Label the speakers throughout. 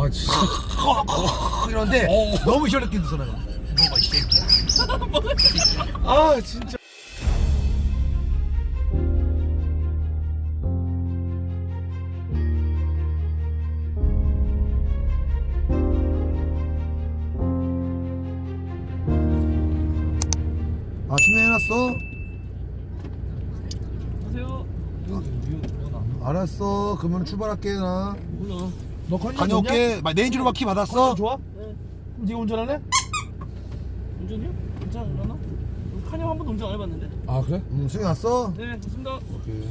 Speaker 1: 아 진짜.
Speaker 2: 이러는데 너무 시원하게 드서 내가 먹어 이 새끼야. 아 진짜. 아 준비해놨어?
Speaker 3: 안녕하세요.
Speaker 2: 알았어. 그러면 출발할게 나.
Speaker 3: 몰라.
Speaker 2: 너 다녀올게. 내인주로 바퀴 받았어?
Speaker 3: 좋아? 네. 그럼 네가 운전하네? 운전이요? 괜찮으려나? 칸형 한 번도 운전 안 해봤는데.
Speaker 1: 아 그래?
Speaker 2: 수행 왔어?
Speaker 3: 네, 좋습니다.
Speaker 1: 오케이.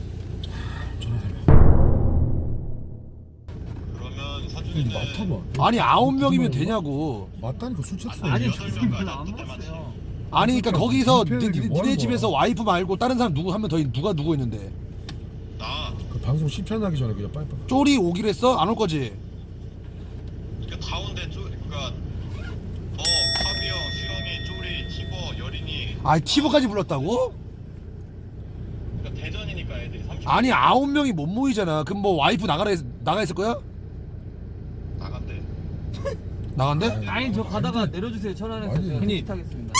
Speaker 4: 그러면 사준이는
Speaker 1: 맡아봐.
Speaker 2: 아니 9명이면 되냐고.
Speaker 1: 맞다니까 술 취했어.
Speaker 3: 아니, 저 별로 안 먹었어요.
Speaker 2: 아니 그러니까 거기서
Speaker 1: 민폐들이 뭐 하는
Speaker 2: 니네
Speaker 1: 거야?
Speaker 2: 집에서 와이프 말고 다른 사람 누구 한 명 더 누가 누구 있는데?
Speaker 4: 나
Speaker 1: 그 방송 10편 하기 전에 그냥 빨리빨리.
Speaker 2: 쪼리 오기로 했어? 안 올 거지?
Speaker 4: 그러니까 가운데 그러니까 카비 형, 수영이, 쪼리, 티버, 여린이.
Speaker 2: 아 티브까지 불렀다고?
Speaker 4: 그러니까 대전이니까 애들이 30.
Speaker 2: 아니 9명이 못 모이잖아. 그럼 뭐 와이프 나가 있을 거야?
Speaker 4: 나간대.
Speaker 2: 나간대?
Speaker 3: 아니, 저 가다가 내려주세요. 천안에서
Speaker 1: 아니,
Speaker 3: 제가
Speaker 1: 형님.
Speaker 3: 타겠습니다.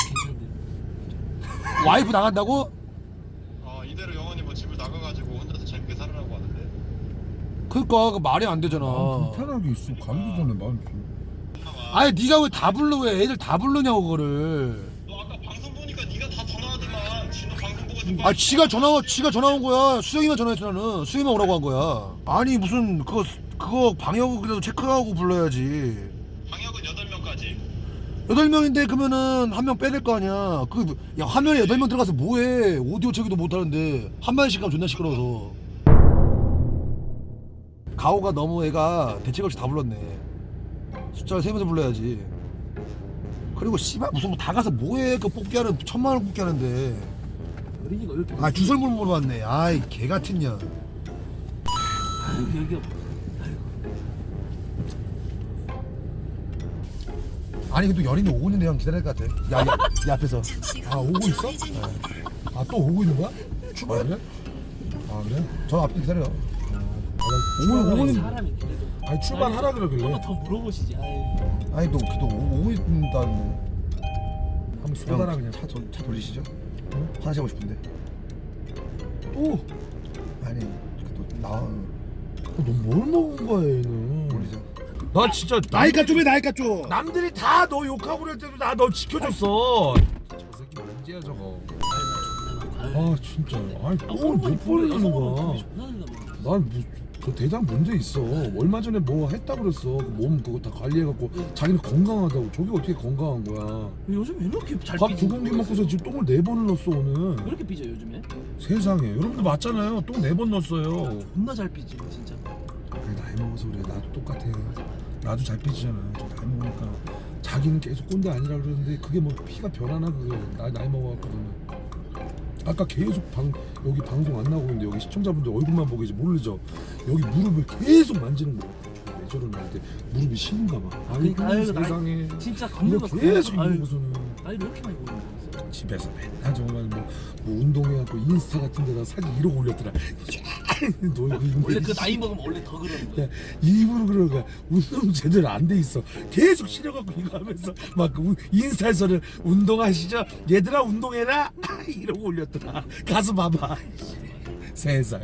Speaker 2: 와이프 나간다고?
Speaker 4: 이대로 영원히 뭐 집을 나가가지고 혼자서 재밌게 살으라고 하는데.
Speaker 2: 그러니까 그 말이 안 되잖아.
Speaker 1: 불편하게 있어. 가기도 전에 마음 좀.
Speaker 2: 아니 네가 왜 다 불러? 왜 애들 다 부르냐고 그거를.
Speaker 4: 너 아까 방송 보니까 네가 다 전화하더만. 진호 방송 보고 좀.
Speaker 2: 아 지가 전화 온 거야. 수영이만 전화했어 나는. 수영이만 오라고 한 거야. 아니 무슨 그거 방역을 그래도 체크하고 불러야지.
Speaker 4: 방역은 8명까지.
Speaker 2: 8명인데 그러면은 한 명 빼야 될 거 아니야. 야 화면에 8명 들어가서 뭐해. 오디오 체크도 못 하는데 한 마디씩 가면 존나 시끄러워서. 가오가 너무 애가 대책 없이 다 불렀네. 숫자를 세면서 불러야지. 그리고 씨발 무슨 뭐 다 가서 뭐해. 그 뽑기하는 1000만원 뽑기 하는데.
Speaker 3: 어린이가 이렇게.
Speaker 2: 아 주설물 물어봤네. 아이 개 같은 년.
Speaker 3: 여기가.
Speaker 2: 아니 근데 여린이 오고 있는데 형 기다릴 것 같아. 야 앞에서.
Speaker 1: 아 오고 있어? 아 또 오고 있는 거야?
Speaker 2: 출발.
Speaker 1: 아 그래? 아 그래?
Speaker 2: 저 앞에 기다려.
Speaker 1: 오늘
Speaker 3: 사람이 그래도.
Speaker 1: 아니 출발하라 그러길래.
Speaker 3: 한번 더 물어보시지. 아유.
Speaker 2: 아니 너 오고 있다는데.
Speaker 1: 한번 쏟아라 그냥.
Speaker 2: 차 돌리시죠? 화장실 가고 싶은데.
Speaker 1: 또?
Speaker 2: 아니 나와
Speaker 1: 너 뭘 먹은 거야 얘는?
Speaker 2: 돌리자.
Speaker 1: 나 진짜
Speaker 2: 나이가 좀해 나이가 좀.
Speaker 1: 남들이 다 너 욕하고 그럴 때도 나 너 지켜줬어. 저 새끼 뭔지야 저거. 아 진짜. 아니 또못 벌리는 거야. 난뭐저 대장 문제 있어. 얼마 전에 뭐 했다 그랬어. 그 몸 그거 다 관리해갖고 자기는 건강하다고. 저게 어떻게 건강한 거야?
Speaker 3: 요즘 왜 이렇게 잘
Speaker 1: 밥
Speaker 3: 삐지?
Speaker 1: 2공기 먹고서 지금 똥을 4번을 넣었어 오늘.
Speaker 3: 왜 이렇게 삐져 요즘에?
Speaker 1: 세상에 여러분들 맞잖아요. 똥 4번 넣었어요.
Speaker 3: 존나 잘 삐지 진짜.
Speaker 1: 그래 나이 먹어서 그래. 나도 똑같아. 나도 잘 삐지잖아. 좀 나이 먹으니까 자기는 계속 꼰대 아니라 그러는데 그게 뭐 피가 변하나 그게. 나이 먹어갖고는. 아까 계속 여기 방송 안 나오고 있는데 여기 시청자분들 얼굴만 보고 이제 모르죠. 여기 무릎을 계속 만지는 거야. 왜 저런 나한테 무릎이 시린가 봐.
Speaker 3: 그러니까 아유,
Speaker 1: 세상에.
Speaker 3: 진짜
Speaker 1: 이거
Speaker 3: 겁나
Speaker 1: 계속
Speaker 3: 아유,
Speaker 1: 이러고서는
Speaker 3: 나이를 왜 이렇게 많이 먹는 거야?
Speaker 1: 집에서 맨날 정말 뭐 운동해갖고 인스타 같은 데다 사진 이러고 올렸더라. 놀고 있는데
Speaker 3: 원래 그 나이 먹으면 원래 더 그러는 거야.
Speaker 1: 야, 일부러 그런 거야. 운동 제대로 안 돼 있어. 계속 시려갖고 이거 하면서 막 인스타에서는 운동하시죠? 얘들아 운동해라. 이러고 올렸더라. 가서 봐봐. 세상에.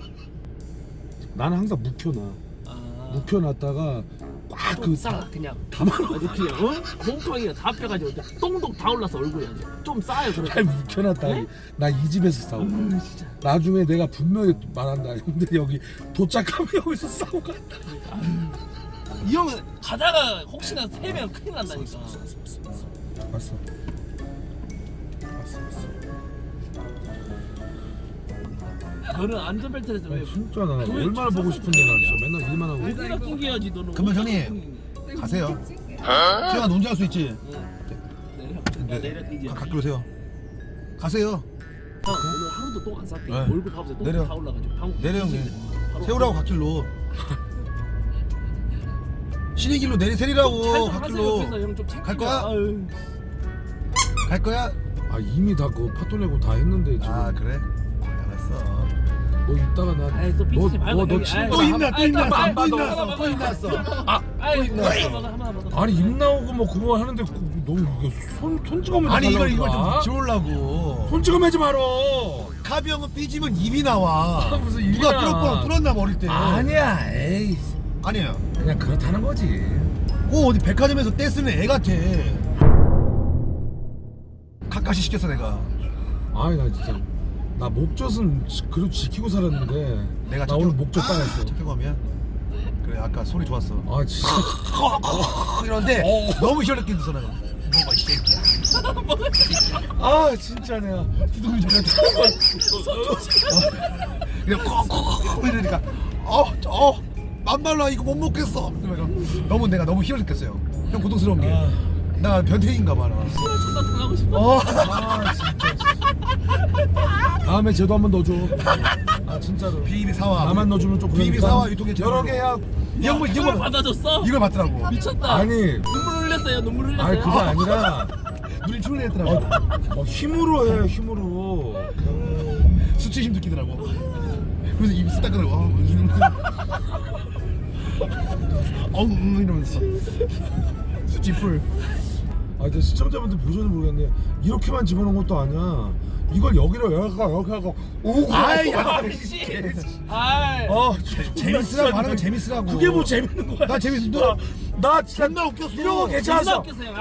Speaker 1: 나는 항상 묵혀놔. 묵혀놨다가 꽉 그
Speaker 3: 싸 그냥
Speaker 1: 담아놓고
Speaker 3: 아주 그냥 곰팡이가 다 펴가지고 똥똥 다 올라서 얼굴에 좀 싸요 그래.
Speaker 1: 잘 묵혀놨다.
Speaker 3: 네?
Speaker 1: 나 이 집에서 싸우고.
Speaker 3: 진짜.
Speaker 1: 나중에 내가 분명히 말한다. 근데 여기 도착하면 여기서 싸우고 간다.
Speaker 3: 이 형은 가다가 혹시나 세면 큰일 난다니까.
Speaker 1: 왔어.
Speaker 3: 너는 안전벨트에서 왜
Speaker 1: 진짜 나 얼마나 보고 싶은데 나 진짜 맨날 일만 하고.
Speaker 3: 얼마나 낑겨야지 너는.
Speaker 2: 그러면 형님. 가세요. 수영아 논지할 수 있지.
Speaker 3: 내려. 내려 이제.
Speaker 2: 가까이 오세요. 가세요.
Speaker 3: 형 오늘 하루도 똥 안 쌌대.
Speaker 2: 네.
Speaker 3: 얼굴 봐보세요.
Speaker 2: 내려.
Speaker 3: 똥다 올라가지고. 방금
Speaker 2: 내려 형님.
Speaker 3: 바로
Speaker 2: 세우라고 갓길로. 신의 길로 세리라고
Speaker 3: 잘
Speaker 2: 갓길로.
Speaker 3: 하세요. 형좀
Speaker 2: 갈 거야?
Speaker 3: 아유.
Speaker 2: 갈 거야?
Speaker 1: 아 이미 다 그 파토 내고 다 했는데 지금.
Speaker 2: 아 그래? 알았어.
Speaker 1: 너 이따가 나.
Speaker 3: 아이, 또 삐지지 말고,
Speaker 1: 너
Speaker 3: 형님.
Speaker 1: 친구
Speaker 3: 아이,
Speaker 2: 또 있나
Speaker 3: 아이,
Speaker 2: 또
Speaker 3: 아이,
Speaker 2: 있나
Speaker 3: 아이, 아이, 하나 먹어.
Speaker 1: 아니 입 나오고 뭐 그거 하는데 너 이거 손 찍으면
Speaker 2: 아니 이걸 좀 지우려고.
Speaker 1: 손 찍으면 하지 말어.
Speaker 2: 카비 형은 삐지면 입이 나와.
Speaker 1: 무슨 입이
Speaker 2: 누가
Speaker 1: 나.
Speaker 2: 뚫었나 어릴 때.
Speaker 1: 아니야. 에이.
Speaker 2: 아니야.
Speaker 1: 그냥 그렇다는 거지.
Speaker 2: 꼭 어디 백화점에서 떼쓰는 애 같아. 가까시 시켰어 내가.
Speaker 1: 아니 나 진짜 나 목젖은 그래도 지키고 살았는데
Speaker 2: 내가
Speaker 1: 나 오늘 목젖 따였어.
Speaker 2: 착해감이야? 그래 아까 소리 좋았어.
Speaker 1: 아 진짜.
Speaker 2: 이런데 너무 시원하게 듣어 내가. 먹어 이 새끼야.
Speaker 1: 아 진짜 내가.
Speaker 2: 두둥이 전에 그냥 콕콕 이러니까 만발라 이거 못 먹겠어. 너무 내가 너무 희열 느꼈어요. 형 고통스러운 게. 나 변태인가 봐. 나.
Speaker 3: 존나 당하고 싶어.
Speaker 1: 아 진짜. 다음에 쟤도 한번 넣어줘. 아 진짜로.
Speaker 2: 비비 사와.
Speaker 1: 나만 넣어주면 좀
Speaker 2: 비비
Speaker 1: 그러니까.
Speaker 2: 사와 유통에
Speaker 1: 여러 개야.
Speaker 3: 이걸 받아줬어?
Speaker 2: 이걸 받더라고.
Speaker 3: 미쳤다.
Speaker 1: 아니.
Speaker 3: 눈물 흘렸어요. 눈물 흘렸어요.
Speaker 1: 아니 그게 아니라
Speaker 2: 눈이 출렁했더라고.
Speaker 1: 힘으로 해 힘으로.
Speaker 2: 수치심 느끼더라고. 그래서 입 쓰다가라고. 이러면서 수치풀.
Speaker 1: 아 근데 시청자분들 보셔도 모르겠네. 이렇게만 집어넣은 것도 아니야. 이걸 여기로 이렇게 하고 오고.
Speaker 2: 아이,
Speaker 1: 야.
Speaker 3: 아이.
Speaker 2: 재밌으라고 하는 거 재밌으라고.
Speaker 1: 그게 뭐 재밌는 거야?
Speaker 2: 나 재밌어.
Speaker 1: 나 진짜
Speaker 2: 존나 웃겼어.
Speaker 1: 이런 거 괜찮았어.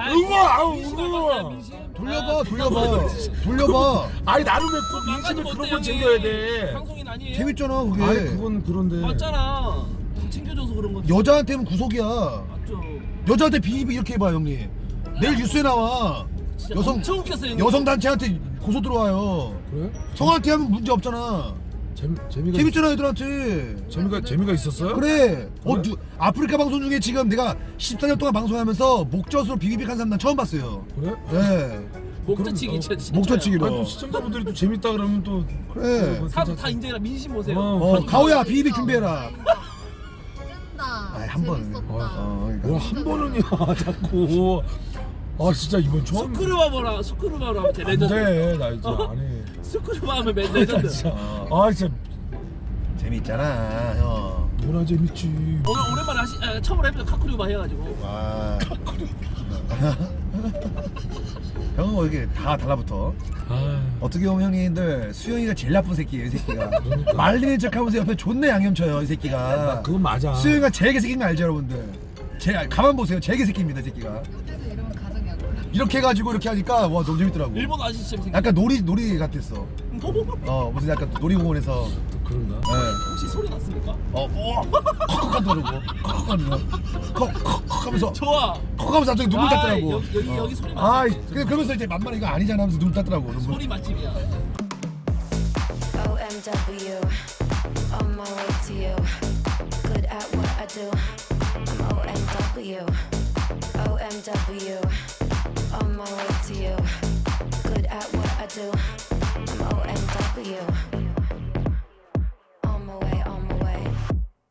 Speaker 2: 돌려봐.
Speaker 1: 아니 나름 왜꼭 민심을 그런 걸 챙겨야 돼.
Speaker 3: 방송인 아니에요?
Speaker 2: 재밌잖아 그게.
Speaker 1: 아니 그건 그런데.
Speaker 3: 맞잖아. 챙겨줘서 그런 거지.
Speaker 2: 여자한테는 구속이야.
Speaker 3: 맞죠.
Speaker 2: 여자한테 비비 이렇게 해봐 형님. 내일 뉴스에 나와.
Speaker 3: 진짜
Speaker 2: 여성
Speaker 3: 엄청 웃겼어요.
Speaker 2: 여성 단체한테 고소 들어와요.
Speaker 1: 그래?
Speaker 2: 성한테 하면 문제 없잖아.
Speaker 1: 재미가
Speaker 2: 재밌잖아 애들한테.
Speaker 1: 재미가 있었어요?
Speaker 2: 그래.
Speaker 1: 그래?
Speaker 2: 아프리카 방송 중에 지금 내가 14년 동안 방송하면서 목젖으로 비비빅한 사람 난 처음 봤어요.
Speaker 1: 그래?
Speaker 2: 네.
Speaker 3: 목젖치기 진짜.
Speaker 2: 목젖치기로.
Speaker 1: 아니 또 시청자분들이 또 재밌다 그러면 또
Speaker 2: 그래.
Speaker 3: 다 인정해라. 민심 보세요.
Speaker 2: 가오야 비비빅 준비해라.
Speaker 5: 뜬다.
Speaker 2: 아이, 한 번은.
Speaker 5: 재밌었다.
Speaker 2: 그러니까.
Speaker 1: 뭐한 번은이야 자꾸. 아 진짜 이번 처음.
Speaker 3: 스크루바 하면 돼. 레전드.
Speaker 1: 안돼 나 이제 안 해.
Speaker 3: 스크루바 하면 레전드.
Speaker 1: 진짜. 아 진짜
Speaker 2: 재밌잖아 형.
Speaker 1: 뭐나 재밌지.
Speaker 3: 오늘 오랜만에 처음으로 해보자. 카쿠리바 해가지고.
Speaker 2: 와. 형은 뭐 이렇게 다 달라붙어.
Speaker 1: 아
Speaker 2: 어떻게 보면 형님들 수영이가 제일 나쁜 새끼예요 이 새끼가.
Speaker 1: 그러니까.
Speaker 2: 말리는 척하면서 옆에 존나 양념 쳐요 이 새끼가.
Speaker 1: 그건 맞아.
Speaker 2: 수영이가 제일 개새끼인 거 알죠 여러분들. 가만 보세요 제일 개새끼입니다 이 새끼가.
Speaker 5: 옆에서 이러면 가정이 안 올라.
Speaker 2: 이렇게 해가지고 이렇게 하니까 와 너무 재밌더라고.
Speaker 3: 일본 아저씨 재밌어.
Speaker 2: 약간 놀이 같았어. 무슨 약간 놀이공원에서.
Speaker 1: 또 그런가?
Speaker 2: 네.
Speaker 3: 혹시 소리 났습니까?
Speaker 2: 콕콕 하더라고. 콕콕 하더라고. 콕콕 하면서
Speaker 3: 좋아.
Speaker 2: 콕 하면서 갑자기 눈물 땄더라고.
Speaker 3: 여기 소리
Speaker 2: 아이
Speaker 3: 맛집.
Speaker 2: 그러면서 이제 만만히 이거 아니잖아 하면서 눈물 땄더라고. 눈물.
Speaker 3: 소리 맛집이야.
Speaker 6: OMW, on my way to you. Good at what I do. I'm OMW. OMW, on my way to you. Good at what I do. I'm OMW.